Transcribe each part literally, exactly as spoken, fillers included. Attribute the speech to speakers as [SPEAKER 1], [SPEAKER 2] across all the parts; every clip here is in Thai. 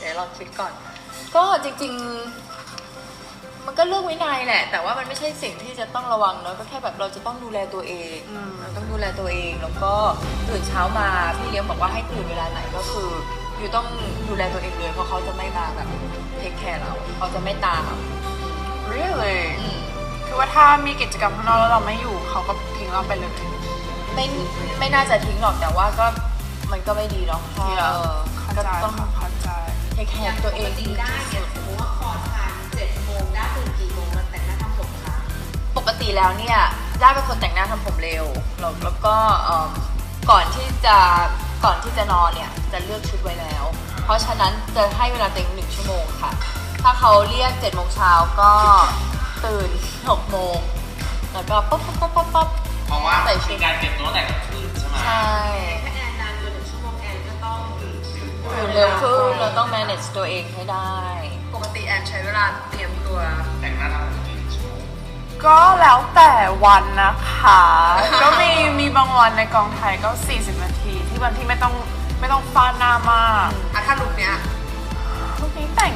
[SPEAKER 1] ดี๋ยวลองคิดก่อนก็จริงๆมันก็เรื่องวินัยแหละแต่ว่ามันไม่ใช่สิ่งที่จะต้องระวังเนอะก็แค่แบบเราจะต้องดูแลตัวเองเราต้องดูแลตัวเองแล้วก็ตื่นเช้ามาพี่เลี้ยงบอกว่าให้ตื่นเวลาไหนก็คืออยู่ต้องดูแลตัวเองเลยเพราะเขาจะไม่มาแบบเทคแคร์เราเขาจะไม่ตาม
[SPEAKER 2] really คือว่าถ้ามีกิจกรรมข้างนอกแล้วเราไม่อยู่เขาก็ทิ้งเราไปเลย
[SPEAKER 1] ไม่ไม่น่าจะทิ้งหรอกแต่ว่าก็มันก็ไม่ดีเนาะ
[SPEAKER 2] เข้าใจเข้าใจ
[SPEAKER 1] เทคแคร์ตัวเองดี
[SPEAKER 3] ได้เนี่ยสมมติว่าคอร์สทานเจ็ดโมงได้ตื่นกี่โมงมันแต่งหน้าทำผมคะ
[SPEAKER 1] ปกติแล้วเนี่ยได้เป็นคนแต่งหน้าทำผมเร็วแล้วแล้วก็ก่อนที่จะก่อนที่จะนอนเนี่ยจะเลือกชุดไว้แล้วเพราะฉะนั้นจะให้เวลาเต็มหนึ่งชั่วโมงค่ะถ้าเขาเรียกเจ็ดโมงเช้าก็ตื่นหกโมงแล้วก็ป๊อปป๊อปป๊อปป๊อปป๊อป
[SPEAKER 4] เพราะว่ามีการเก็บตัวแต่กลางคืนใช่ไหม
[SPEAKER 1] ใช่
[SPEAKER 3] ถ้าแอนนานเกินหนึ่งชั่วโมงแอนก็ต้องตื่น
[SPEAKER 1] เร็วขึ้นเราต้อง manage ตัวเองให้ได้
[SPEAKER 3] ปกติแอนใช้เวลาเตรียมตัว
[SPEAKER 4] แต่งหน้าทำผมกี่ชั่วโมง
[SPEAKER 2] ก็แล้วแต่วันนะคะก็มีมีบางวันในกองไทยก็สี่สิบนาทีที่วันที่ไม่ต้องไม่ต้องฟาดหน้ามาก
[SPEAKER 3] อ่ะถ้าลุคเนี้ย
[SPEAKER 2] ลุคนี้แต่ง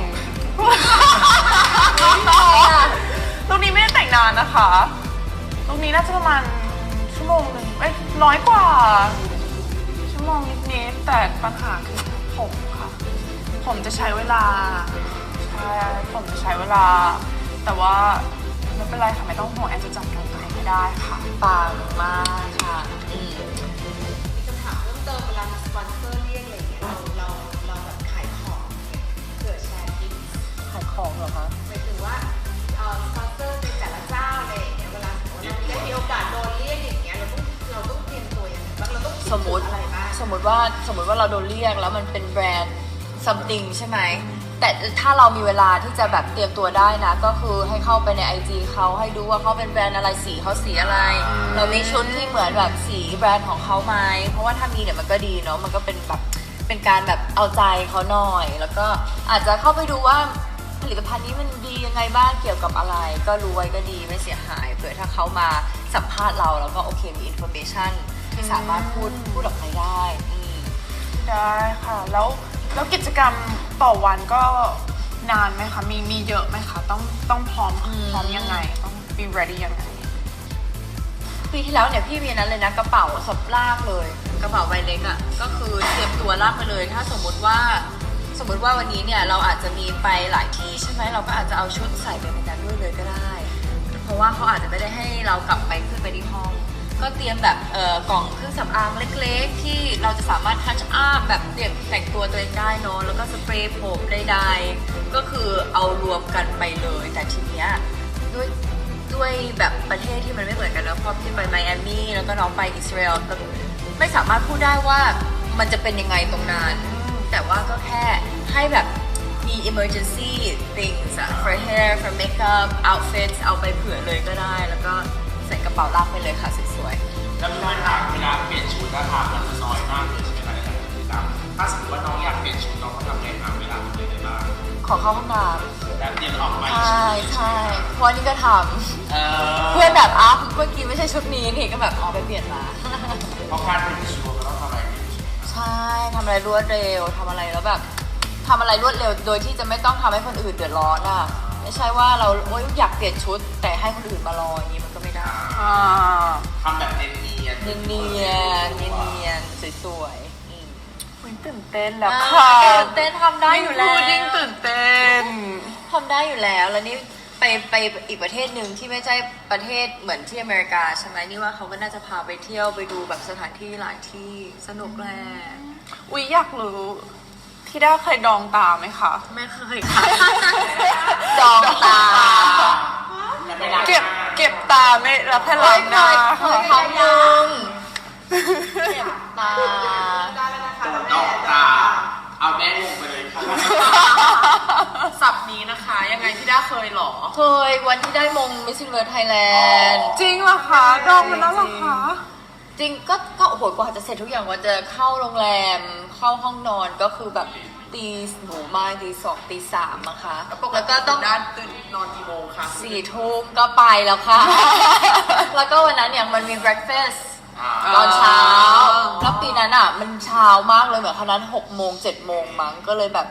[SPEAKER 2] ลุคนี้ไม่ได้แต่งนานนะคะลุคนี้น่าจะประมาณชั่วโมงหนึ่งเอ้ยน้อยกว่าชั่วโมงนิดๆแต่ปัญหาคือผมค่ะผมจะใช้เวลาใช่ผมจะใช้เวลาแต่ว่าไม่เป็นไรค่ะไม่ต้องห่วงแอนจะจัดการตัวเองให้ได้ค่ะ
[SPEAKER 1] ปังมากค่ะอืม
[SPEAKER 3] มีคำถามเพิ่มเติมเวลามีสปอนเซอร์เรียกอะไรอย่างเงี้ยเราเราเราแบบขายของเนี่ยเกิดแชร์ทิป
[SPEAKER 1] ขายของเหรอคะ
[SPEAKER 3] หมายถึงว่าเอ่อสปอนเซอร์ในแต่ละเจ้าอะไรอย่างเงี้ยเวลาสมมติเราได้มีโอกาสโดนเรียกอย่างเงี้ยเราต้องเราต้องเตรียมตัวยังไงบ้างเราต้อง
[SPEAKER 1] สมมติ
[SPEAKER 3] อะไรบ้าง
[SPEAKER 1] สมมติว่าสมมติว่าเราโดนเรียกแล้วมันเป็นแบรนด์ something ใช่ไหมแต่ถ้าเรามีเวลาที่จะแบบเตรียมตัวได้นะก็คือให้เข้าไปใน ไอ จี เขาให้ดูว่าเขาเป็นแบรนด์อะไรสีเขาสีอะไรเรามีชุดที่เหมือนแบบสีแบรนด์ของเขาไหมเพราะว่าถ้ามีเนี่ยมันก็ดีเนาะมันก็เป็นแบบเป็นการแบบเอาใจเขาหน่อยแล้วก็อาจจะเข้าไปดูว่าผลิตภัณฑ์นี้มันดียังไงบ้างเกี่ยวกับอะไรก็รู้ไว้ก็ดีไม่เสียหายเผื่อถ้าเขามาสัมภาษณ์เราแล้วก็โอเคมีอินโฟเมชันที่สามารถพูดพูดออกไปได้
[SPEAKER 2] ได้ค่ะแล้วแล้วกิจกรรมต่อวันก็นานไหมคะมีมีเยอะไหมคะต้องต้องพร้อมพร้อมยังไงต้อง be ready ยังไง
[SPEAKER 1] ปีที่แล้วเนี่ยพี่มีนั้นเลยนะกระเป๋าสับลากเลยกระเป๋าใบเล็กอ่ะก็คือเตรียมตัวลากไปเลยถ้าสมมติว่าสมมติว่าวันนี้เนี่ยเราอาจจะมีไปหลายที่ใช่ไหมเราก็อาจจะเอาชุดใส่ไปในนั้นด้วยเลยก็ได้เพราะว่าเขาอาจจะไม่ได้ให้เรากลับไปขึ้นไปที่ห้องก็เตรียมแบบเอ่อกล่องเครื่องสำอางเล็กๆที่เราจะสามารถทัชอัพแบบเตรียมแต่งตัวตัวเองได้เนอะแล้วก็สเปรย์ผมใดๆก็คือเอารวมกันไปเลยแต่ทีเนี้ยด้วยด้วยแบบประเทศที่มันไม่เหมือนกันนะเพราะพี่ไปไมอามี่แล้วก็น้องไปอิสราเอลไม่สามารถพูดได้ว่ามันจะเป็นยังไงตรงนั้นแต่ว่าก็แค่ให้แบบมี emergency things for hair for makeup outfits เอาไปเผื่อเลยก็ได้แล้วก็ใส่กระเป๋าลากไปเลยค่ะสวย
[SPEAKER 4] ๆแล้วพี่ไม่ถามเวลาเปลี่ยนชุดราคามันน้อยมากเลยใช่ไหมคะในการติดตามถ้าสมมติว่าน้องอยากเปลี่ยนชุดน้องเขาทำไงหาเวลาเป็นยังไงบ้าง
[SPEAKER 1] ขอเข้าห้องน้
[SPEAKER 4] ำแล้วเตรียมออกไป
[SPEAKER 1] ใช่ใช่เพราะนี่ก็ทำเพื่อนแบบอ้าวเมื่อกี้ไม่ใช่ชุดนี้นี่ก็แบบอ๋อไปเปลี่ยนมา
[SPEAKER 4] เพราะการเปลี่ยนชุดเราต้องทำอะไร
[SPEAKER 1] ใช่ทำอะไรรวดเร็วทำอะไรแล้วแบบทำอะไรรวดเร็วโดยที่จะไม่ต้องทำให้คนอื่นเดือดร้อนอ่ะไม่ใช่ว่าเราโอ๊ยอยากเปลี่ยนชุดแต่ให้คนอื่นมารออย่างนี้มันก็ไม่ได้
[SPEAKER 4] ทำแบบเนียนเนียน
[SPEAKER 1] เนียนเนียนเนียนสวย
[SPEAKER 2] ๆตื่นเต้นแล้วค่ะ
[SPEAKER 1] ตื่นเต้นทำได้อยู่แล้ว
[SPEAKER 2] ยิ่งตื่นเต้น
[SPEAKER 1] ทำได้อยู่แล้วแล้วนี่ไปไปอีกประเทศหนึ่งที่ไม่ใช่ประเทศเหมือนที่อเมริกาใช่ไหมนี่ว่าเขาก็น่าจะพาไปเที่ยวไปดูแบบสถานที่หลายที่สนุกแหละ
[SPEAKER 2] อุ๊ยอยากรู้ที่ได้เคยดองตาไหมคะ
[SPEAKER 1] ไม่เคยค่ะดองตา
[SPEAKER 2] เก็บเก็บตาไม่รับแค่ล้างหน้า
[SPEAKER 1] เคยครั้งหนึ่งเก็บตา
[SPEAKER 4] ดองตาเอาแม่งงไปเลยค่ะ
[SPEAKER 2] สับนี้นะคะยังไงที่ได้เคยหรอ
[SPEAKER 1] เคยวันที่ได้มงมิสซิเวิร์สไทยแลนด์
[SPEAKER 2] จริงเหรอคะดองมันแล้วเหรอคะ
[SPEAKER 1] จริงก็ก็โอ้โหกว่าจะเสร็จทุกอย่างว่าจะเข้าโรงแรมเข้าห้องนอนก็คือแบบตีหนูมาตีสองตีสามอะค่ะแล้วก็ต้อง
[SPEAKER 2] ตื่นนอนกี่โมงคะ
[SPEAKER 1] สี่ทุ่มก็ไปแล้วค่ะแล้วก็วันนั้นเนี่ยมันมี breakfast ตอนเช้าแล้วปีนั้นอะมันเช้ามากเลยเหมือนคณะหกโมงเจ็ดโมงมั้งก็เลยแบบ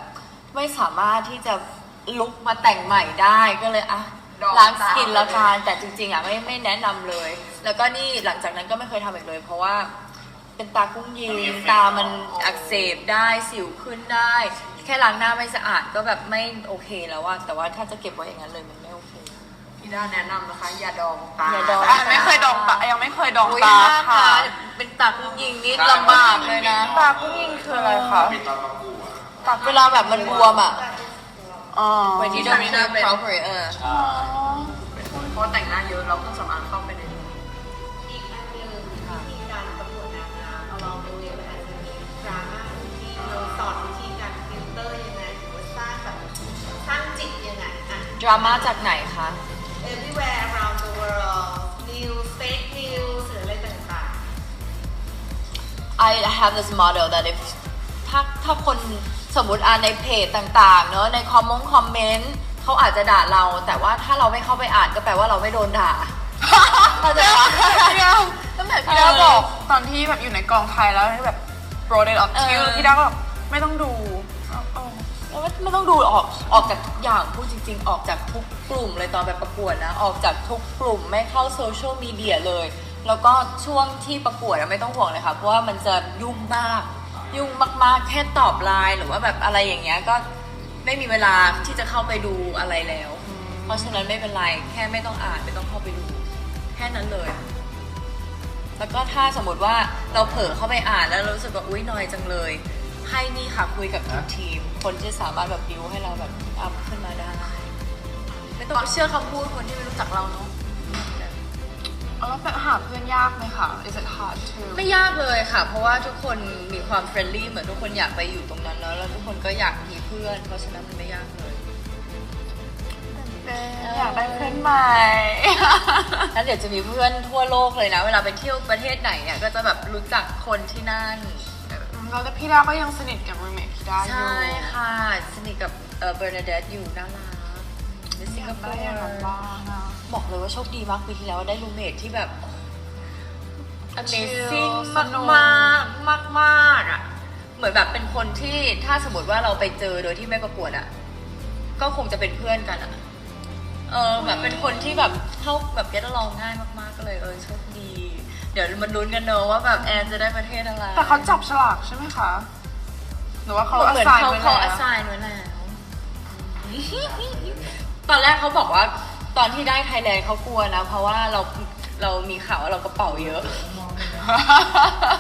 [SPEAKER 1] ไม่สามารถที่จะลุกมาแต่งใหม่ได้ก็เลยอ่ะล้างสกินละกันแต่จริงๆอ่ะไม่ไม่แนะนำเลย แล้วก็นี่หลังจากนั้นก็ไม่เคยทำอีกเลย เพราะว่าเป็นตากุ้งยิงตามันอักเสบได้สิวขึ้นได้ แค่ล้างหน้าไม่สะอาดก็แบบไม่โอเคแล้วว่าแต่ว่าถ้าจะเก็บไว้อย่างนั้นเลยมันไม่โอเค
[SPEAKER 3] พี่ด้าแนะนำนะคะ อย่าดองตา
[SPEAKER 1] อย่าดอง
[SPEAKER 2] อ่ะไม่เคยดองตายังไม่เคยดอง
[SPEAKER 1] โอ้ย
[SPEAKER 2] ตา
[SPEAKER 1] ถ้า
[SPEAKER 2] ค่ะ
[SPEAKER 1] ตาเป็นตากุ้งยิงนี่ลำบากเลยนะ
[SPEAKER 2] ตากุ้งยิงคืออะไรคะ
[SPEAKER 4] เป็นตอนประกวด
[SPEAKER 1] ตาเวลาแบบมันบวมอ่ะ
[SPEAKER 2] อ๋อ
[SPEAKER 1] when you don't clean proper เออ
[SPEAKER 2] อ๋อ
[SPEAKER 3] เพราะแต่งหน้าเยอะเราต้องสำอางเข้าไปในนี้อีกอันหนึ่งวิธีการประกวดนางงามเอาลองดูเลยมันอาจจะมีดราม่าที่เราสอนวิธีการฟิลเตอร์ยังไงหรือว่าสร้างแบบสร้างจิตยังไงอ่ะ
[SPEAKER 1] ดราม่าจากไหนคะ
[SPEAKER 3] everywhere around the world news fake news หรืออะไรต่าง
[SPEAKER 1] I have this model that if ถ้าถ้าคนสมมติอ่านในเพจต่างๆเนอะในคอมมงคอมเมนต์เขาอาจจะด่าเรา แต่ว่าถ้าเราไม่เข้าไปอ่านก็แปลว่าเราไม่โดนด่า เข้าใจปะ
[SPEAKER 2] ตั้งแต่พี่ดาบอกตอนที่แบบอยู่ในกองไทยแล้วที่แบบ brought it up to you พี่ดาก็แบบไม่ต้องดูเอาเอา
[SPEAKER 1] แล้วไม่ต้องดูออกออกจากทุกอย่างพูดจริง ๆ ออกจากทุกกลุ่มเลยตอนแบบประกวดนะออกจากทุกกลุ่มไม่เข้าโซเชียลมีเดียเลย แล้วก็ช่วงที่ประกวดอะไม่ต้องห่วงเลยค่ะเพราะว่ามันจะยุ่งมากยุ่งมากๆแค่ตอบไลน์หรือว่าแบบอะไรอย่างเงี้ยก็ไม่มีเวลาที่จะเข้าไปดูอะไรแล้ว เพราะฉะนั้นไม่เป็นไรแค่ไม่ต้องอ่านไม่ต้องเข้าไปดู แค่นั้นเลย แล้วก็ถ้าสมมติว่าเราเผลอเข้าไปอ่านแล้วเรารู้สึกว่าอุ๊ยนอยจังเลย ให้นี่ค่ะคุยกับทีมทีม คนที่สามารถแบบบิวให้เราแบบอัพขึ้นมาได้ ไม่ต้องเชื่อคำพูดคนที่ไม่รู้จักเราเนาะ
[SPEAKER 2] เอาแล้วแต่หาเพื่อนยากไหมคะ is it hard to
[SPEAKER 1] ไม่ยากเลยค่ะ เพราะว่าทุกคนมีความเฟรนลี่เหมือนทุกคนอยากไปอยู่ตรงนั้นแล้วแล้วทุกคนก็อยากมีเพื่อน เพราะฉะนั้นมันไม่ยากเลย
[SPEAKER 2] อยากได้เพื่อนใหม่
[SPEAKER 1] แล้วเดี๋ยวจะมีเพื่อนทั่วโลกเลยนะ เวลาไปเที่ยวประเทศไหนเนี่ยก็จะแบบรู้จักคนที่นั่น
[SPEAKER 2] แล้วแต่พี่ดาก็ยังสนิทกับ roommate พี่ดาอยู่
[SPEAKER 1] ใช่ค่ะ สนิทกับเออเบอร์นาเดตอยู่น่ารักในสิงคโป
[SPEAKER 2] ได้อย่างนั้น
[SPEAKER 1] ร์
[SPEAKER 2] บ้างอะ
[SPEAKER 1] บอกเลยว่าโชคดีมากปีที่แล้วได้รูเมทที่แบบ Amazing
[SPEAKER 2] Chill
[SPEAKER 1] มากมากมากมากๆอ่ะ เหมือนแบบเป็นคนที่ถ้าสมมติว่าเราไปเจอโดยที่ไม่ประกวดอ่ะ ก็คงจะเป็นเพื่อนกันอ่ะ เออแบบเป็นคนที่แบบเข้าแบบเก็ตลองง่ายมากๆก็เลยเออโชคดี เดี๋ยวมันลุ้นกันเนอะว่าแบบแอนจะได้ประเทศอะไร
[SPEAKER 2] แต่เขาจับฉลากใช่ไหมคะ หรือว่าเขา
[SPEAKER 1] เหมือน
[SPEAKER 2] assign
[SPEAKER 1] เขา
[SPEAKER 2] ไว้
[SPEAKER 1] เขา
[SPEAKER 2] แล้ว
[SPEAKER 1] assign ไว้แล้ว ตอนแรกเขาบอกว่าตอนที่ได้ไทยแลนด์เขากลัวนะ เพราะว่าเราเรามีข่าวว่าเรากระเป๋าเยอะ